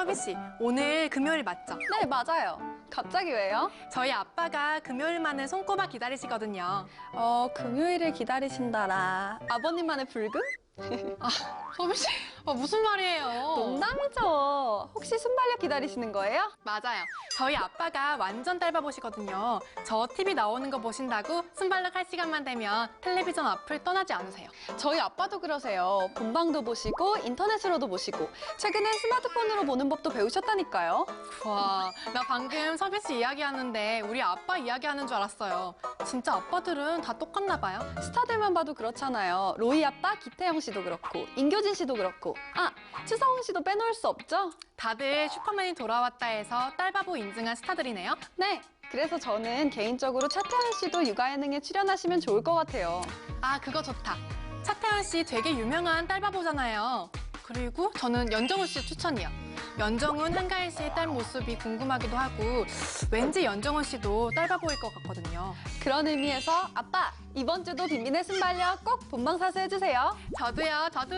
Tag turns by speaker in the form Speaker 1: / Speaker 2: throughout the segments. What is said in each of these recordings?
Speaker 1: 서비 씨, 오늘 금요일 맞죠?
Speaker 2: 네, 맞아요. 갑자기 왜요?
Speaker 1: 저희 아빠가 금요일만을 손꼽아 기다리시거든요.
Speaker 2: 금요일을 기다리신다라. 아버님만의 불금?
Speaker 1: 서비 씨, 무슨 말이에요?
Speaker 2: 농담이죠. 혹시 순발력 기다리시는 거예요?
Speaker 1: 맞아요. 저희 아빠가 완전 딸바보시거든요. 저 TV 나오는 거 보신다고 순발력 할 시간만 되면 텔레비전 앞을 떠나지 않으세요.
Speaker 2: 저희 아빠도 그러세요. 본방도 보시고 인터넷으로도 보시고 최근엔 스마트폰으로 보는 법도 배우셨다니까요.
Speaker 1: 와, 나 방금 서비 씨 이야기하는데 우리 아빠 이야기하는 줄 알았어요. 진짜 아빠들은 다 똑같나 봐요.
Speaker 2: 스타들만 봐도 그렇잖아요. 로이 아빠 기태영 씨도 그렇고 인교진 씨도 그렇고 추성훈 씨도 빼놓을 수 없죠?
Speaker 1: 다들 슈퍼맨이 돌아왔다 해서 딸바보 인증한 스타들이네요.
Speaker 2: 네, 그래서 저는 개인적으로 차태현 씨도 육아예능에 출연하시면 좋을 것 같아요.
Speaker 1: 그거 좋다. 차태현 씨 되게 유명한 딸바보잖아요. 그리고 저는 연정훈 씨 추천이요. 연정훈, 한가인 씨의 딸 모습이 궁금하기도 하고 왠지 연정훈 씨도 딸바보일 것 같거든요.
Speaker 2: 그런 의미에서 아빠, 이번 주도 빈빈의 순발력 꼭 본방사수 해주세요.
Speaker 1: 저도요, 저도.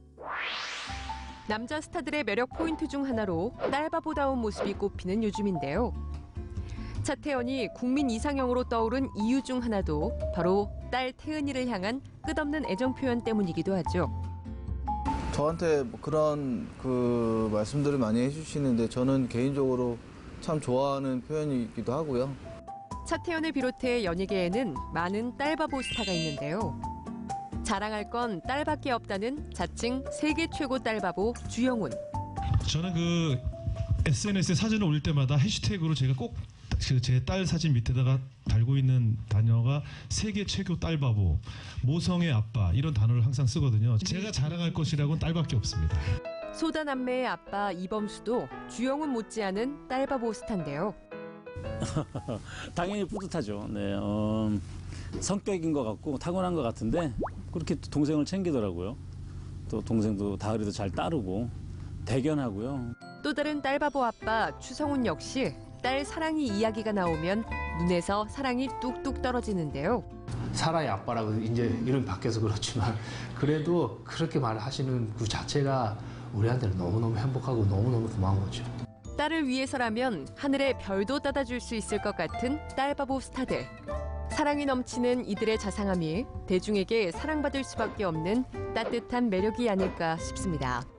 Speaker 3: 남자 스타들의 매력 포인트 중 하나로 딸바보다운 모습이 꼽히는 요즘인데요. 차태현이 국민 이상형으로 떠오른 이유 중 하나도 바로 딸 태은이를 향한 끝없는 애정 표현 때문이기도 하죠.
Speaker 4: 저한테 뭐 그런 말씀들을 많이 해주시는데 저는 개인적으로 참 좋아하는 표현이기도 하고요.
Speaker 3: 차태현을 비롯해 연예계에는 많은 딸바보 스타가 있는데요. 자랑할 건 딸밖에 없다는 자칭 세계 최고 딸바보 주영훈.
Speaker 5: 저는 SNS에 사진을 올릴 때마다 해시태그로 제가 꼭 제 딸 사진 밑에다가 달고 있는 단어가 세계 최고 딸바보, 모성의 아빠 이런 단어를 항상 쓰거든요. 제가 자랑할 것이라고는 딸밖에 없습니다.
Speaker 3: 소다남매의 아빠 이범수도 주영훈 못지않은 딸바보 스타인데요.
Speaker 6: 당연히 뿌듯하죠. 네, 성격인 것 같고 타고난 것 같은데 그렇게 동생을 챙기더라고요. 또 동생도 다을이도 잘 따르고 대견하고요.
Speaker 3: 또 다른 딸바보 아빠 추성훈 역시 딸 사랑이 이야기가 나오면 눈에서 사랑이 뚝뚝 떨어지는데요.
Speaker 7: 사라의 아빠라고 이제 이름이 바뀌어서 그렇지만 그래도 그렇게 말하시는 그 자체가 우리한테는 너무너무 행복하고 너무너무 고마운 거죠.
Speaker 3: 딸을 위해서라면 하늘의 별도 따다 줄 수 있을 것 같은 딸바보 스타들. 사랑이 넘치는 이들의 자상함이 대중에게 사랑받을 수밖에 없는 따뜻한 매력이 아닐까 싶습니다.